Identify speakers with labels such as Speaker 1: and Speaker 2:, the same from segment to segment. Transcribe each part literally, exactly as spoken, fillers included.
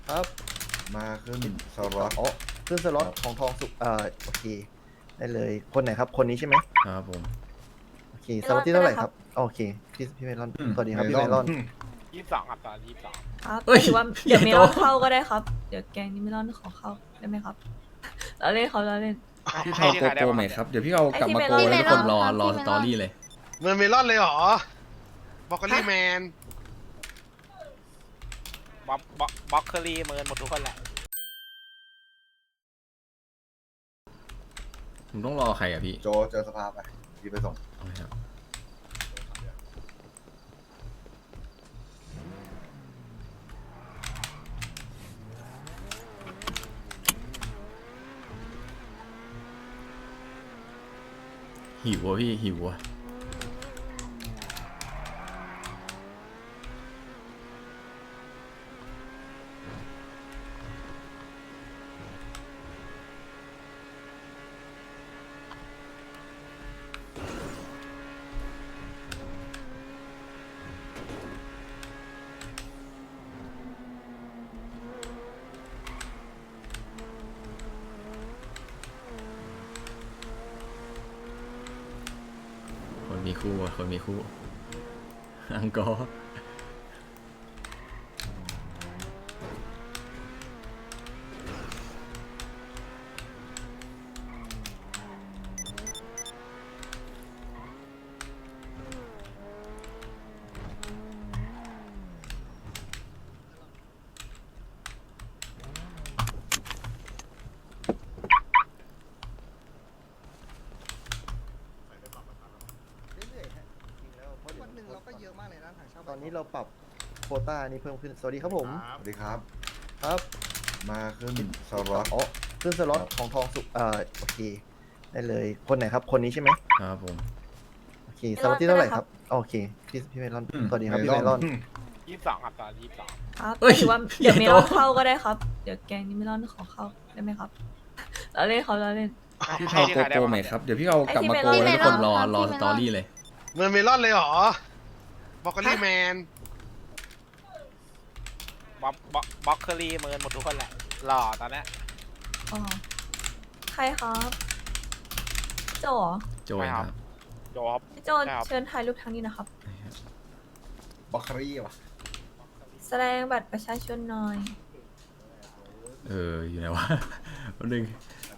Speaker 1: ครับ
Speaker 2: มาขึ้นสล็อต
Speaker 1: อ๋อขึ้นสล็อตของทองสุกเอ่อโอเคได้เลยคนไหนครับคนนี้ใช่ไหม
Speaker 3: ครับผม
Speaker 1: โอเคสล็อตที่เท่าไหร่ครับโอเคพี่พี่เมลอนสวัสดีครับพี่เมลอน
Speaker 4: ยี่สิบสองครับตอนยี่สิบสอง
Speaker 5: ครับ
Speaker 3: เฮ้ย
Speaker 5: ถือว่า
Speaker 3: ใหญ่
Speaker 5: เดี๋ยวเม
Speaker 3: โต
Speaker 5: ลอนเข้าก็ได้ครับ เดี๋ยวแกงนี้เมลอนขอเข้าได้ไหมครับเราเล่นเขาเราเล่น
Speaker 3: พี่เผาโกโก้ไหมครับ เดี๋ยวพี่เอากลับมาโก
Speaker 5: ไอ้ที่
Speaker 3: แล้วทุกคน
Speaker 5: เมล
Speaker 3: ร
Speaker 5: อ
Speaker 3: อน รอ
Speaker 5: ที่
Speaker 3: ส
Speaker 5: เมลอน
Speaker 3: ตอรี่เลย
Speaker 6: เมืองเมลอนเลยเหรอ บอกกลี่แมน
Speaker 4: บ็อกบ็อกบ็อกเคอรี่เมินหมดทุกคนแหละ
Speaker 3: ผมต้องรอใครอ่ะพี่
Speaker 2: โจเจอสภาไปพี่ไปส่ง
Speaker 3: เอาเลยครับหิวอ่ะพี่หิวอ่ะคนมีคู่อ่ะคนมีคู่ อังกอร์
Speaker 1: วันหนึ่งเราก็เยอะมากเลยนะตอนนี้เราปรับโควต้านี้เพิ่มขึ้นสวัสดีครับผม
Speaker 2: สวัสดีครับ
Speaker 1: ครับ
Speaker 2: มาขึ้นสล็อต
Speaker 1: อ๋อขึ้นสล็อตของทองสุกเอ่อโอเคได้เลยคนไหนครับคนนี้ใช่ไหม
Speaker 3: ครับผม
Speaker 1: โอเคสล็อตที่เท่าไหร่ครับโอเคพี่พี่เมลอนสวัสดีครับพี่เมลอน
Speaker 4: ยี่สิบสองครับตอนยี่สิบสอง
Speaker 5: ครับ
Speaker 3: เฮ้ย
Speaker 5: ถือว่า
Speaker 3: ใหญ่
Speaker 5: เดี๋ยวเมลอน
Speaker 3: โต
Speaker 5: เข้าก็ได้ครับ เดี๋ยวแกงนี้เมลอนขอเข้าได้ไหมครับเราเล่นเขาเราเล่น
Speaker 3: พี่เผาโกโก้ไหมครับ เดี๋ยวพี่เอากลับมาโก
Speaker 5: ไอ้ที่
Speaker 3: แล้วทุกคนรอ
Speaker 5: เมลอน
Speaker 3: รอ
Speaker 5: ที่
Speaker 3: ส
Speaker 5: เมลอน
Speaker 3: ตอรี่เลย
Speaker 6: เมืองเมลอนเลยเหรอ บอกกลี่แมน
Speaker 4: บ็อกบ็อกบ็อกเคอรี่เมินหมดทุกคนแหละหล่อตอนเนี้ย
Speaker 5: อ๋อใครครับโจเหรอ
Speaker 3: โจยครับ
Speaker 4: โจครับ
Speaker 5: พี่โจ
Speaker 4: ครับ
Speaker 5: เชิญถ่ายรูปทางนี้นะครับ
Speaker 2: บ็อกคารี่วะ
Speaker 5: แสดงบัตรประชาชนหน่อย
Speaker 3: เอออยู่ไหนวะ แป๊บนึง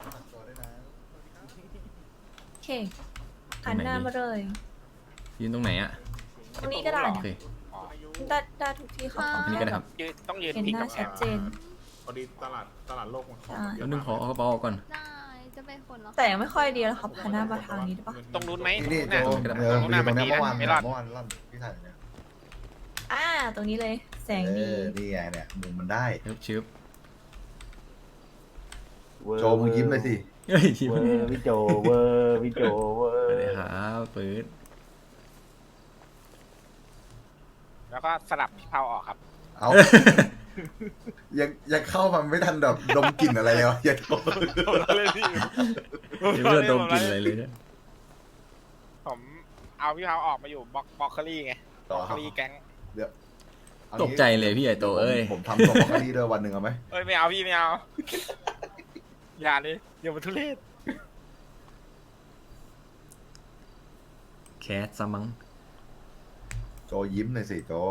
Speaker 5: โอเคหันหน้ามาเลย
Speaker 3: ยืนตรงไหนอ่ะ
Speaker 5: ตรงนี้ก็ได้
Speaker 3: โอ
Speaker 5: นะ
Speaker 3: เค
Speaker 4: อ๋อ
Speaker 5: ได้ได้ทุกที่ครับขอ
Speaker 3: อันนี้
Speaker 5: แค่
Speaker 3: ก็ได้
Speaker 5: แบ
Speaker 3: ครับ บ
Speaker 4: ยืนต้องยืน
Speaker 5: เห็น
Speaker 4: พิง
Speaker 5: หน้า
Speaker 4: กับแอ
Speaker 5: ชัด
Speaker 4: บ
Speaker 5: เจน
Speaker 7: พอดีตลาดตลาดโลกมัน
Speaker 5: ใช่
Speaker 3: แล้วนึงขอเอากระเป๋าออกก่อน
Speaker 8: ได้จะไปคนแล้ว
Speaker 5: แต่ยังไม่ค่อยดีแล้วครับหันหน้ามาทางนี้ได้ปะ
Speaker 4: ตรงนู้นไหม
Speaker 2: นี่
Speaker 4: ตรง
Speaker 2: นี่
Speaker 4: นู้น
Speaker 2: โจ
Speaker 4: น่ะ
Speaker 2: เออ
Speaker 4: ตรง
Speaker 2: อ
Speaker 4: นู้น
Speaker 2: ยู่
Speaker 4: น่ะ
Speaker 2: ตร
Speaker 4: มัน
Speaker 2: งเนี้
Speaker 4: ดี
Speaker 2: ย
Speaker 4: นะ
Speaker 2: เมื่อวาน
Speaker 4: ไม่รอด
Speaker 2: เมื่อวานลั่นพี่ถ่ายเนี่ย
Speaker 5: อ่า ตรงนี้เลย แสง
Speaker 2: เอ
Speaker 5: ดี
Speaker 2: อนี่ไงเนี่ยมุมมันได้
Speaker 3: ชึบชึบ
Speaker 2: โจมึงยิ้มเลยสิ
Speaker 3: เฮ้ยยิ้ม
Speaker 7: เวอร์พี่โจเวอร์พี่โจเวอ
Speaker 3: ส
Speaker 7: ร์
Speaker 3: วัสดีครับปื๊ด
Speaker 4: แล้วก็สลับพี่เผาออกครับ
Speaker 2: เอายังยังเข้ามาไม่ทันแบบดมกลิ่นอะไรเลยวะอย่าโทษ
Speaker 3: ยังไม่ได้ดมกลิ่นอะไรเลยเนี่ย
Speaker 4: ผมเอาพี่เผาออกมาอยู่บ็อกบ็อกเคอรี่ไง
Speaker 2: ต่
Speaker 4: บ็
Speaker 2: อ
Speaker 4: อก
Speaker 2: ค
Speaker 4: เครับ ลี่แก๊ง
Speaker 2: เดี๋ยวเอา
Speaker 3: ต
Speaker 2: งี้
Speaker 3: กใจเลยพี่ใหญ่โตเอ้ย
Speaker 2: ผมทำตัวบ็อกคารี่ด้วยวันหนึ่งเอาไหม
Speaker 4: เอ้ยไม่เอาพี่ไม่เอา อย่าเลยเดี๋ยวมันทุเรศ
Speaker 3: แคสซะมั้ง
Speaker 2: โจยิ้มหน่อยสิโจ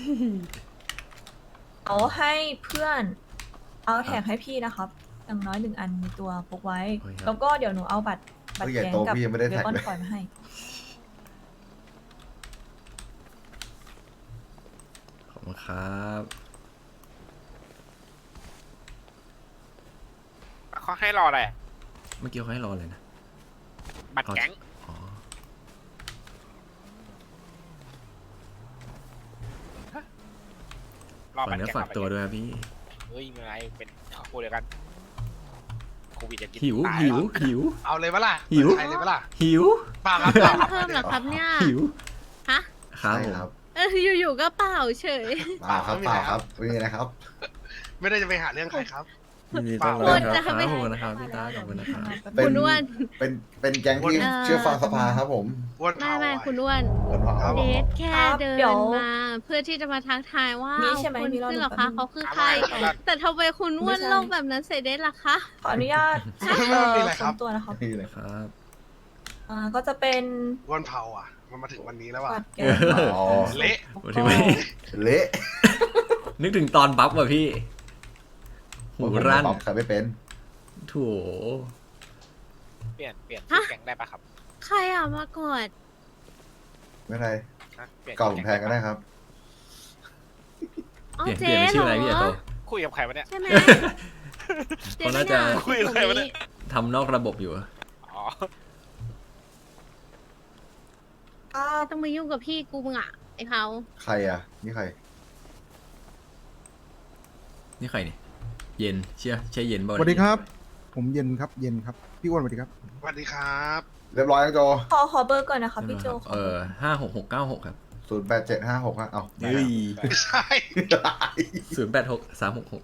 Speaker 5: เอาให้เพื่อน เอาแท็กให้พี่นะครับ อย่างน้อยหนึ่งอันในตัวพกไว้ แล้วก็เดี๋ยวหนูเอาบัตร บัตร
Speaker 2: เฮ้ยใหญ่
Speaker 5: แก๊ง
Speaker 2: โต
Speaker 5: กับ
Speaker 2: พี่ยังไม่ได้
Speaker 5: เบ
Speaker 2: แท็ก
Speaker 5: คอน
Speaker 2: เลย
Speaker 5: คอยมาให้
Speaker 3: ขอบคุณครับ
Speaker 4: เขาให้รออะไรอะ
Speaker 3: เมื่อกี้เขาให้รอเลยนะ
Speaker 4: บัตรแก๊ง
Speaker 3: อ๋อ
Speaker 4: รอ
Speaker 3: ฝาก
Speaker 4: บัตร
Speaker 3: เนื้อ
Speaker 4: แก๊ง
Speaker 3: ฝากตัวด้วยครับพี่
Speaker 4: เฮ้ยไม่เป็นไรเป็นครอบครัวเดียวกันโควิดจะกิน
Speaker 3: หิว
Speaker 4: ตาย
Speaker 3: หิว
Speaker 4: แล้
Speaker 3: หิว
Speaker 6: เอาเลยปะล่ะ
Speaker 3: หิว
Speaker 6: ใครเลยปะล่ะ
Speaker 3: หิว
Speaker 6: เปล่าครับเปล่าครับ
Speaker 8: เพิ่มเหรอครับเนี่ย
Speaker 3: หิว
Speaker 8: ฮะ
Speaker 3: ครับ
Speaker 2: ใช่
Speaker 3: ผม
Speaker 2: ครับ
Speaker 8: เอออยู่ๆก็เปล่าเฉย
Speaker 2: เปล่าครับเปล่าครับไม่มีอะไรครับ
Speaker 6: ไม่ได้จะไปหาเรื่องใครครับ
Speaker 3: ยินดีต้อนรับครับขอบคุณนะครับพี่ตาขอบคุณนะครับ
Speaker 2: เป็น
Speaker 8: คุณอ้วน
Speaker 2: เป็นเป็นแก๊งที่
Speaker 8: เอ่อ
Speaker 2: เชื่อฟังสภาครับผม
Speaker 6: อ้วน
Speaker 8: ไม่
Speaker 6: เผา
Speaker 8: ไม่
Speaker 6: อะ
Speaker 8: คุณอ้วน
Speaker 2: เปิดเผา
Speaker 6: ครับ
Speaker 8: เดทแค่
Speaker 5: ครับ
Speaker 8: เดิ
Speaker 5: เดี๋ย
Speaker 8: น
Speaker 5: ว
Speaker 8: มา เพื่อที่จะมาทักทายว่า
Speaker 5: มี
Speaker 8: เอา
Speaker 5: ใช่ไหม
Speaker 8: คุณ
Speaker 5: มีรอ
Speaker 8: ขึ้น
Speaker 5: ดู
Speaker 8: เหรอ
Speaker 5: แป๊
Speaker 8: คะ
Speaker 5: บนึง
Speaker 8: เขาคือใคร แต่ทำไมคุณอ้วน
Speaker 5: ไม่ใช่
Speaker 8: ลงแบบนั้นใส่เดทล่ะคะ
Speaker 5: ขออนุญาต
Speaker 6: ไม่
Speaker 5: เอ่อ
Speaker 6: มีอะไรครับ
Speaker 5: ค้นตัวนะครับ
Speaker 2: นี่เลย
Speaker 3: ครับ
Speaker 5: อ่าก็จะเป็น
Speaker 6: อ้วนเผาอ่ะ มันมาถึงวันนี้แล้วอ่ะ
Speaker 5: บัตรแกน
Speaker 2: อ๋อ
Speaker 6: เละ
Speaker 3: วันที่ไม่
Speaker 2: เละ
Speaker 3: นึกถึงตอนบัฟว่ะพี่ หูรั่น
Speaker 2: ผมใครไม่เป็น
Speaker 3: โถ
Speaker 4: เปลี่ยนเปลี่ยนชื่อ
Speaker 8: ฮะ
Speaker 4: แก๊งได้ปะครับ
Speaker 8: ใครอ่ะมากอด
Speaker 2: ไม่เป็นไร
Speaker 4: ฮะเปลี่ยน
Speaker 2: เก่าผมแทนก็ได้ครับ
Speaker 8: อ๋อ
Speaker 3: เปลี่ยน
Speaker 8: เจ๊
Speaker 3: เปลี่ยนเป็น
Speaker 8: เห
Speaker 3: ชื่ออะไรพี่
Speaker 8: รอ
Speaker 3: ใหญ่โต
Speaker 4: คุยกับใครวะเนี่ย
Speaker 8: ใช่ไหม
Speaker 3: เขาน่าจะ
Speaker 4: คุยกับใครวะเนี่ย
Speaker 3: ทำนอกระบบอยู่
Speaker 4: อ๋อ
Speaker 5: อ่า
Speaker 8: ต้องมายุ่งกับพี่กูมึงอ่ะไอ้เผา
Speaker 2: ใครอ่ะ นี่ใคร
Speaker 3: นี่ใครเนี่ยเย็นเชื่อใช่เย็นบ่
Speaker 9: สวัสดีครับ ผมเย็นครับ เย็นครับ พี่อ้วนสวัสดีครับ
Speaker 6: สวัสดีครับ
Speaker 2: เรียบร้อยยังโจ
Speaker 5: ขอขอเบอร์ก่อนนะครับพี่โจขอ
Speaker 3: เอ
Speaker 5: เบอ
Speaker 3: อ
Speaker 5: ร์
Speaker 3: ห้าหกหกเก้าหกครับ
Speaker 2: ศูนย์แปดเจ็ดห้าหกฮะเอา
Speaker 3: เฮ้ย
Speaker 6: ไม่ใช่
Speaker 3: ศูนย์แปดหกสามหกหก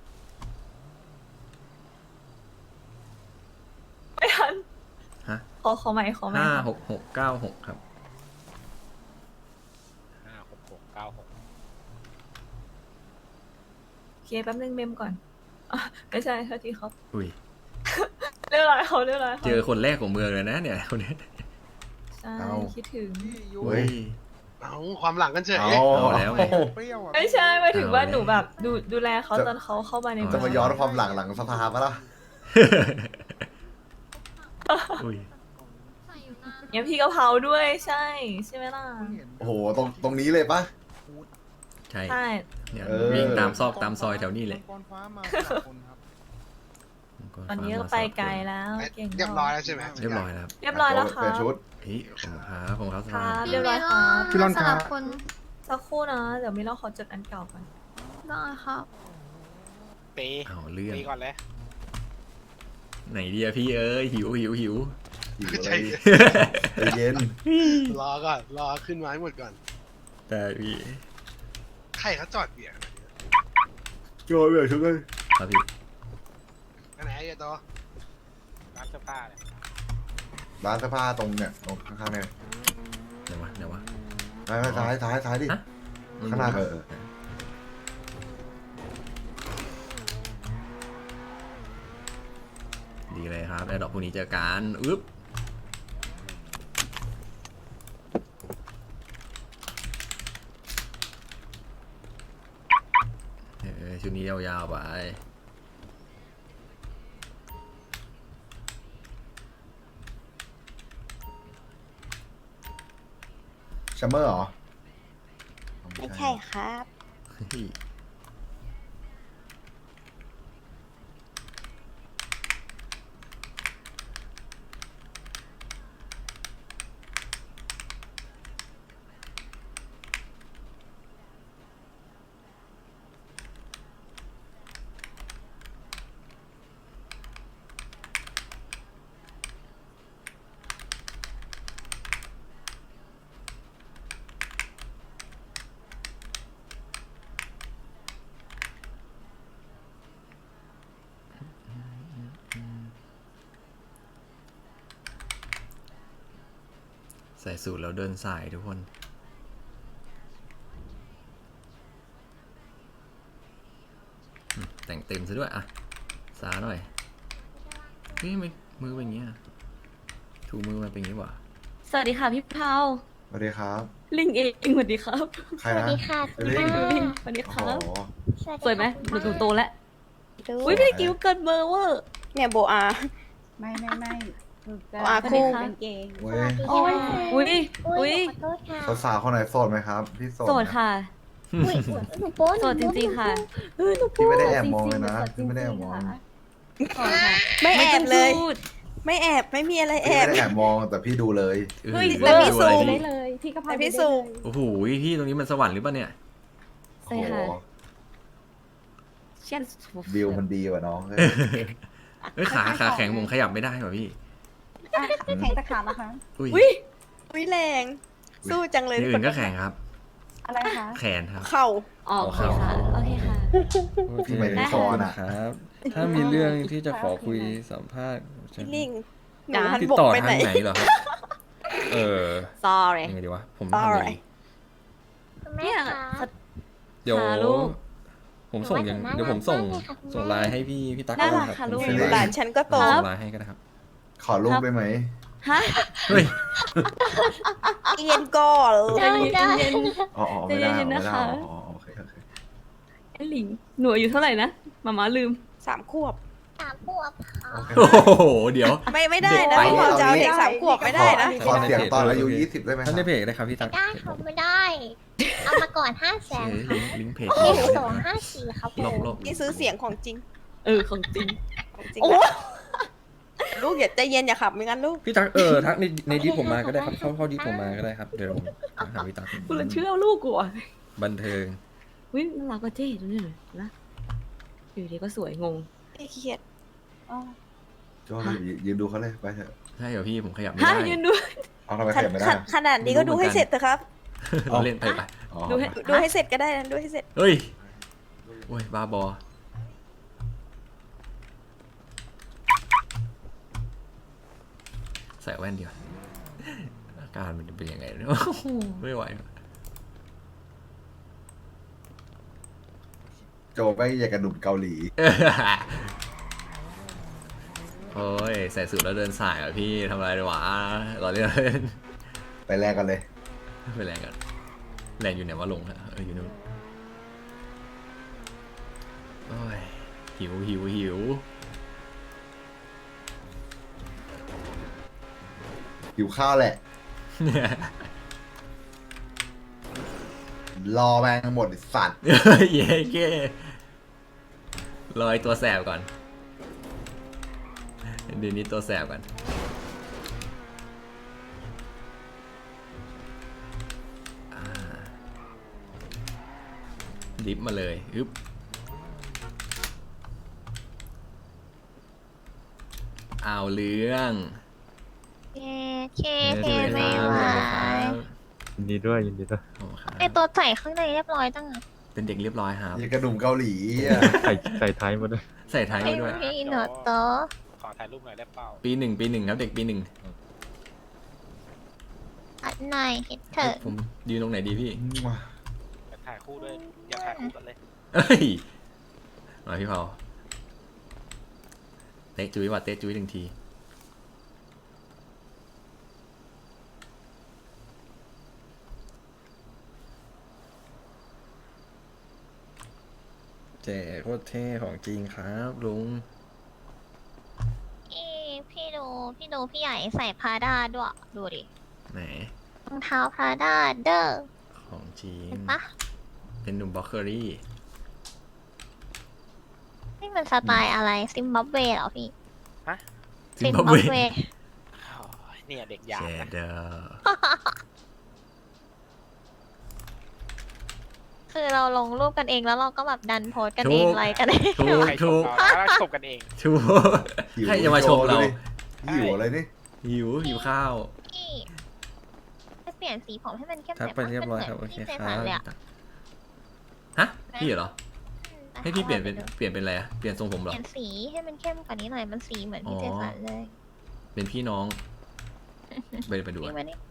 Speaker 5: ไม่ทัน
Speaker 3: ฮะ
Speaker 5: ขอขอใหม่ขอใหม่
Speaker 3: ห้า
Speaker 5: ครับ
Speaker 3: หกหกเก้าหกครับ
Speaker 4: ห้าหกหกเก้าหก
Speaker 5: โอเคแป๊บนึงเมมก่อนอ่ะไม่ใช่โทษทีครับ
Speaker 3: อุ้ย
Speaker 5: เรียบร้อยเขาเรียบร้อยเขา
Speaker 3: เจอคนแรกของเมืองเลยนะเนี่ยคนนี้
Speaker 5: ใช่คิดถึง
Speaker 3: เฮ้ย
Speaker 6: เอาความหลังกันเฉย
Speaker 2: เอา
Speaker 3: เอาแล้วไง
Speaker 9: เปรี้ยวอ่ะ
Speaker 5: ไม่ใช่หมายถึงว่า
Speaker 3: เอาเลย
Speaker 5: หนูแบบดูดูแลเขา
Speaker 2: จะ
Speaker 5: ตอนเขาเข้ามาใน
Speaker 2: จะมา
Speaker 5: เง
Speaker 2: ย้อนความหลังหลังสภาปะล่ะ
Speaker 3: อุ้ย
Speaker 8: ใส่อยู่นาน
Speaker 5: เนี่ยพี่กะเพราด้วยใช่ใช่ไหมล่ะ
Speaker 2: โอ้โห ตรงตรงนี้เลยปะ
Speaker 3: ใช่
Speaker 5: ใช่
Speaker 3: เนี่ย
Speaker 2: เออ
Speaker 3: วิ่งตามซอกตามซอยแถวนี้เลย
Speaker 9: มังกรฟ้ามาสลับคนครับ
Speaker 5: ตอนนี้ก็ไปไกลแล้วเก่ง
Speaker 6: เรียบร้อยแล้วใช่ไหม
Speaker 3: เรียบร้อยแล้วครับ
Speaker 5: เรียบร้อยแล้ว
Speaker 2: เป
Speaker 5: ค่ะ
Speaker 2: ลี่ยนชุด
Speaker 3: เฮ้ยขอบคุณครับผมครับส
Speaker 5: ค
Speaker 3: ภา
Speaker 5: รับ
Speaker 8: พี่
Speaker 5: เรียบร้อย
Speaker 8: เม
Speaker 5: ค
Speaker 8: ล
Speaker 5: รับ
Speaker 9: พี่ร่อน
Speaker 8: ส
Speaker 9: ครั
Speaker 8: ลั
Speaker 9: บ
Speaker 8: บคน
Speaker 5: สักครู่นะ เดี๋ยวมิเราขอจดอันเก่าก่อน
Speaker 8: ได้ครับ
Speaker 4: ตี
Speaker 3: เอาเรื่อง
Speaker 4: ตีก่อนเลย
Speaker 3: ไหนดีอะพี่เอ้ยหิวหิวหิว
Speaker 2: หิวอะไร
Speaker 6: ใจ
Speaker 2: ใจเย็น
Speaker 6: รอก่อน รอขึ้นไม้หมดก่อน
Speaker 3: แต่พี่
Speaker 6: ใครเขาจอดเบียร์ขนาดนี้
Speaker 2: โจยเปลี่ยนชุดเลย
Speaker 3: ครับพี่
Speaker 6: ไปไหนไอ้ตัว
Speaker 4: ร้านเสื้อผ้าเนี่ย
Speaker 2: ร้านเสื้อผ้าตรงเนี่ยตรงข้างๆเนี่ย
Speaker 3: เดี๋ยววะเดี๋ยววะ
Speaker 2: ไม่ไม่ซ้ายซ้ายซ้ายดิ
Speaker 3: ฮะ
Speaker 2: ข้างหน้าเออเออ
Speaker 3: ดีเลยครับแล้วดอกพวกนี้เจอกันอึ๊บเออชุดนี้ยาวๆไป
Speaker 2: ชัมเมอร์เหรอ
Speaker 10: ไม่ใช่ครับ
Speaker 3: เฮ้ยใส่สูทแล้วเดินสายทุกคนอืมแต่งเต็มซะด้วยอะสาหน่อยเฮ้ยทำไมมือเป็นอย่างเงี้ยถูมือมันเป็นอย่างงี้วะ
Speaker 5: สวัสดีค่ะพี่เผา
Speaker 2: สวัสดีครับ
Speaker 5: ลิงเองสวัสดีครับ
Speaker 2: ใคร
Speaker 10: สวัส
Speaker 2: นะ
Speaker 10: ดีค่ะ
Speaker 2: เลิง
Speaker 5: ลิงสวัสดีค
Speaker 2: โอ้
Speaker 5: รับ
Speaker 2: โห
Speaker 5: สวยไหมหนูหนูโตแล้ว
Speaker 10: ดู
Speaker 5: อุ้ยพี่กิ้วเกินเบอร์เวอร์
Speaker 10: เนี่ยโบอา
Speaker 11: ไม่ไม่ไม่
Speaker 10: โบอาคู่
Speaker 5: สวัสดีค่ะ
Speaker 11: กางเกง
Speaker 2: เว้
Speaker 10: โอ้
Speaker 2: ย
Speaker 10: ย
Speaker 5: อุ้ยอุ้ย
Speaker 10: ขอโทษค่ะ
Speaker 2: สาวๆคนไหนโสดไหมครับ พี่โสด
Speaker 5: โสดค่ะ
Speaker 10: อุ้ยหนูโป้
Speaker 5: โสดจริงๆค่ะ
Speaker 2: พี่ไม่ได้แอบมองเลยนะพี่ไม่ได้แอบมอง
Speaker 5: โสดค่ะ
Speaker 10: ไม่แอบเลย
Speaker 5: ไม่ต้องพูด
Speaker 10: ไม่แอบไม่มีอะไรแอ
Speaker 2: พี่
Speaker 10: บ
Speaker 2: ไม่ได้แอบมองแต่พี่ดูเลย
Speaker 3: เออ
Speaker 5: เฮ้ย
Speaker 3: ดู
Speaker 10: แต่พี่
Speaker 3: ดู
Speaker 10: ซู
Speaker 3: อะไร
Speaker 10: ม
Speaker 3: พี่
Speaker 11: ได้เลย พี่ก็พา
Speaker 10: แต่
Speaker 11: ไป
Speaker 10: พี่
Speaker 11: ได้
Speaker 10: ซู
Speaker 11: เล
Speaker 10: ม
Speaker 11: ย
Speaker 3: โอ้โหพี่ตรงนี้มันสวรรค์หรือเปล่าเนี่ย
Speaker 5: ใช่ค่ะ
Speaker 2: โอ้โห
Speaker 5: เช่น
Speaker 2: วิวมันดีกว่าน้องเฮ้ย
Speaker 3: เอ้ยขาขาแข็งผมขยับไม่ได้ว่ะพี่
Speaker 11: อ่ะแข่งตะขาบนะคะ
Speaker 3: อุ้ย
Speaker 5: อุ้ย
Speaker 10: วิแรง สู้จังเลย
Speaker 3: ที่อื่นก็แข็งครับ
Speaker 11: อะไรคะ
Speaker 3: แขนครับ
Speaker 10: เข่า
Speaker 5: อ๋อโอเคค่ะ โอเคค่ะ
Speaker 3: โอเค
Speaker 2: ที่หมายถึง
Speaker 3: ข
Speaker 2: ค
Speaker 3: อบ
Speaker 2: อ
Speaker 3: คุณ
Speaker 2: น่ะ
Speaker 3: ครับ ถ้ามีเรื่องที่จะขอคุยสัมภาษณ์
Speaker 10: พี่ลิงหนู
Speaker 5: จ้า
Speaker 10: หัน
Speaker 3: ติด
Speaker 10: บก
Speaker 3: ต่อ
Speaker 10: ไป
Speaker 3: ทา
Speaker 10: ไหน
Speaker 3: งไหนเหรอครับ เออ
Speaker 10: sorry
Speaker 3: ยังไงดีวะ ผมทำอะไรดี
Speaker 8: แม่
Speaker 5: เนี่ย
Speaker 8: คะ
Speaker 3: เดี๋ยว
Speaker 5: ค่ะลูก
Speaker 3: ผมส่งยังเดี๋ยวผมส่ง
Speaker 8: น่ารักมากเลยค่ะคุณแม่
Speaker 3: ส่งไลน์ให้พี่พี่ตั๊ก
Speaker 10: น่า
Speaker 3: ก็
Speaker 10: รั
Speaker 3: ได้
Speaker 10: ก
Speaker 3: ครับ
Speaker 10: ค่ะลูก
Speaker 3: ผมส่ง
Speaker 10: หลานฉันก็โต
Speaker 3: ส่งไลน์ให้ก็ได้ครับ
Speaker 2: ขอรูปได้ไหม
Speaker 10: ฮะ
Speaker 3: เฮ้ย
Speaker 10: เย็นก่อน
Speaker 8: ได้ได้
Speaker 2: อ๋ออ๋อไม่ได้
Speaker 5: ใจเย็นๆ
Speaker 2: ไม่
Speaker 5: นะ
Speaker 2: ได้
Speaker 5: คะ
Speaker 2: อ๋อโอเคโอเค
Speaker 5: ไอ้หลิงหนูอายุเท่าไหร่นะมาม่าลืม
Speaker 10: สามขวบ
Speaker 8: สามขวบค่ะ
Speaker 2: โอเค
Speaker 3: โอ้โห เดี๋ยว
Speaker 10: ไม่ไม่ได้นะ
Speaker 3: ไป
Speaker 10: พี่พอจะเอาเด็กสามขวบไม่ได้นะ
Speaker 2: ขอเสียงตอนอายุยี่สิบได้ไหมค
Speaker 3: ท่า
Speaker 2: รั
Speaker 3: น
Speaker 2: บ
Speaker 3: ได้เพจได้ครับพี่ตั๊ก
Speaker 8: ได้ค่ะไม่ได้ เอามาก่อนห้าแสน
Speaker 3: เอ้ยลิงก์ลิงก์เพจ
Speaker 8: เลขสองห้าสี่ครับผ
Speaker 3: ลบ
Speaker 8: ม
Speaker 3: ลบ
Speaker 10: นี่ซื้อเสียงของจริง
Speaker 5: เออของจริง
Speaker 10: ของจริง
Speaker 5: โอ้
Speaker 10: นะลูกอย่าใจเย็นอย่าขับไม่งั้นลูก
Speaker 3: พี่ตั๊กเออทักในในดิสผมมาก็ได้ครับ เข้าเข้าดิสผมมาก็ได้ครับ เดี๋ยวผมหาพี่ตั๊ก
Speaker 5: กูเลยเชื่อลูกกูอ่ะ
Speaker 3: บันเทิง
Speaker 5: วิน่ารักกว่าเจ๊ดูนี่หน่อยนะอยู่ดีก็สวยงง
Speaker 10: ไอ้เขียด
Speaker 2: โจ้ยืนยืนดูเขาเลยไปเถอะ
Speaker 3: ใช่เหรอพี่ผมขยับไม่
Speaker 5: ฮะ
Speaker 3: ได้
Speaker 5: ยืนดู
Speaker 2: เอาทำไม
Speaker 10: ข
Speaker 2: ขยับไม่ได้
Speaker 10: นาดขนาดนี้ก็ดูให้เสร็จเถอะครับ
Speaker 3: เราเล่นไปไป
Speaker 2: อ๋อ
Speaker 5: ดูให้
Speaker 10: ดูให้เสร็จก็ได้นะดูให้เสร็จ
Speaker 3: เฮ้ย โอ้ย บ้าบอ ใส่แว่นเดียวอาการมันจะเป็นยังไงเนี่ยโอ้โหไม่ไหว
Speaker 2: โจไม่อยากกระดุมเกาหลี
Speaker 3: โอ้ย ใส่สูทแล้วเดินสายเหรอพี่ทำอะไรดีวะรอเล่น
Speaker 2: ไปแลกกันเลย
Speaker 3: ไปแรงกันแรงอยู่ไหนวะลงฮะเอออยู่นู่นโอ้ยหิวหิวหิว
Speaker 2: หิวข้าวแหละ รอแมงหมดไอ้สัตว์
Speaker 3: เย้เก้ลอยตัวแสบก่อนเดี๋ยวนี้ตัวแสบก่อนอ่าดิฟมาเลยอึ๊บเอาเรื่อง
Speaker 8: เคเคเพไม่ไหว
Speaker 7: ยินดีด้วยยินดีด้วย
Speaker 3: โอ้ครับ
Speaker 8: ไอตัวใส่ข้างในเรียบร้อยตั้งอ่ะ
Speaker 3: เป็นเด็กเรียบร้อยครับ
Speaker 2: อยากกระดุมเกาหลีอ่ะ
Speaker 7: ใส่ใส่ท้ายมาด้วย
Speaker 3: ใส่ท้าย
Speaker 8: ไอ้
Speaker 3: มาด้วย
Speaker 8: พี่หนอโต
Speaker 4: ขอถ่ายรูปหน่อยได้เปล่า
Speaker 3: ปีหนึ่งปีหนึ่งครับเด็กปีหนึ่ง
Speaker 8: อัดหน่อยคิดเถอะ
Speaker 3: ผมยืนตรงไหนดีพี่
Speaker 4: อยากถ่ายคู่ด้วยอยากถ่ายคู่กันเลย
Speaker 3: เอ้ยมาพี่เผาเตะจุ้ยว่ะเตะจุ้ยหนึ่งทีเจ๋โคตรเท่ของจริงครับลุง
Speaker 8: พี่พี่ดูพี่ดูพี่ใหญ่ใส่พาด้าด้วยดูดิ
Speaker 3: ไหน
Speaker 8: รองเท้าพาด้าเด้อ
Speaker 3: ของจริง
Speaker 8: เห็นปะ
Speaker 3: เป็นหนุ่มบล็อกเกอรี่
Speaker 8: นี่มันสไตล์อะไรซิมบับเวเหรอพี่
Speaker 3: ซิมบับเว
Speaker 4: โอ้ยเนี่ยเด็กยา
Speaker 3: เจ
Speaker 4: นะ
Speaker 3: เดอ
Speaker 8: คือเราลงรูปกันเองแล้วเราก็แบบดันโพสต์กันเองไลค์กันเอง
Speaker 3: ถูก
Speaker 4: ใครช
Speaker 3: ถู
Speaker 4: ม
Speaker 3: ก
Speaker 4: เราแล้วชมกันเอง
Speaker 3: ถูก
Speaker 2: หิว
Speaker 3: ใครจะมาชมเรา
Speaker 2: โจ้ดิหิวอะไรนี่
Speaker 3: หิวหิวข้าว
Speaker 8: พี่ไปเปลี่ยนสีผมให้มันเข้ม
Speaker 3: ทักไปเรียบร้อยครับโอเค
Speaker 8: พี่
Speaker 3: ค
Speaker 8: เจ
Speaker 3: รั
Speaker 8: สัน
Speaker 3: บ
Speaker 8: เลยอะ
Speaker 3: ฮะพี่เหรอ
Speaker 8: อืม
Speaker 3: ให้พี่เปลี่ยนเป็นเปลี่ยนเป็นอะไรอะเปลี่ยนทรงผม
Speaker 8: เป
Speaker 3: เหรอ
Speaker 8: ลี่ยนสีให้มันเข้มกว่านี้หน่อยมันสีเหมือนพี่
Speaker 3: อ๋อ
Speaker 8: เจสันเลย
Speaker 3: เป็นพี่น้อง ไปไปดู
Speaker 8: พี่
Speaker 3: อะ
Speaker 8: มานี่